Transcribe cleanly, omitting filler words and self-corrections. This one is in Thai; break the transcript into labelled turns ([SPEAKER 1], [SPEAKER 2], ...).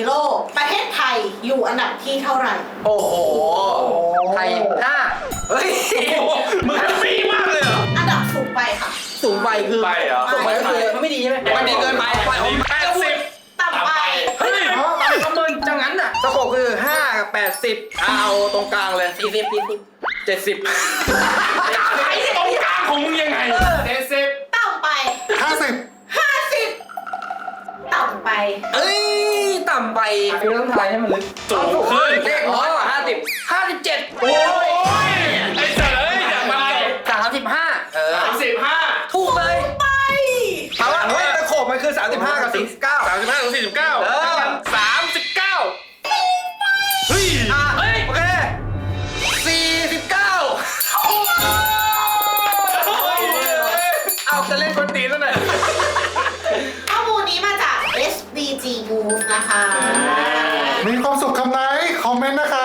[SPEAKER 1] โลกประเทศไทยอยู่อันดับที่เท่าไหร่
[SPEAKER 2] โอ้โหไทย5เฮ้ย
[SPEAKER 3] มึงจะฟรีมากเลยเหรอ
[SPEAKER 1] อันดับสูงไปค่ะ
[SPEAKER 2] สูงไปคือ
[SPEAKER 3] ไปเหรอ
[SPEAKER 2] สูงไปก็คือมันไม่ดีใช่ไหมมันดีเกินไป
[SPEAKER 3] 80
[SPEAKER 1] ต่ำไป
[SPEAKER 2] เฮ้ยประเมินจังงั้นน่ะสโคปคือ5กับ80เอาตรงกลางเลย40 70
[SPEAKER 3] ไอ้ตรงกลางของมึงยังไง70
[SPEAKER 1] ต่ำไป
[SPEAKER 4] 50
[SPEAKER 1] 50ต่ำไป
[SPEAKER 2] เอ้ยต่ำไปคือต้องทายให้มันลึก
[SPEAKER 3] สูงขึ้น
[SPEAKER 2] เลขน้อยกว่า57โอ้
[SPEAKER 3] โอ้
[SPEAKER 2] ย
[SPEAKER 3] ยไอ้เจ๋ยอย่ามา
[SPEAKER 2] 35
[SPEAKER 3] 35
[SPEAKER 2] ถูกเลย
[SPEAKER 1] ไป
[SPEAKER 2] ถามว่าเฮ้ยตะโขบมันคือ35กับ49
[SPEAKER 3] 35ถึง49
[SPEAKER 2] เออ
[SPEAKER 3] 39เฮ้ย
[SPEAKER 2] เฮ้ยโอเค49เอาจะเล่นคนตีนแล้วหน่อย
[SPEAKER 1] ข้อมูลนี้มาจาก SDG Move นะคะ
[SPEAKER 4] มีความสุขคำไหนคอมเมนต์นะคะ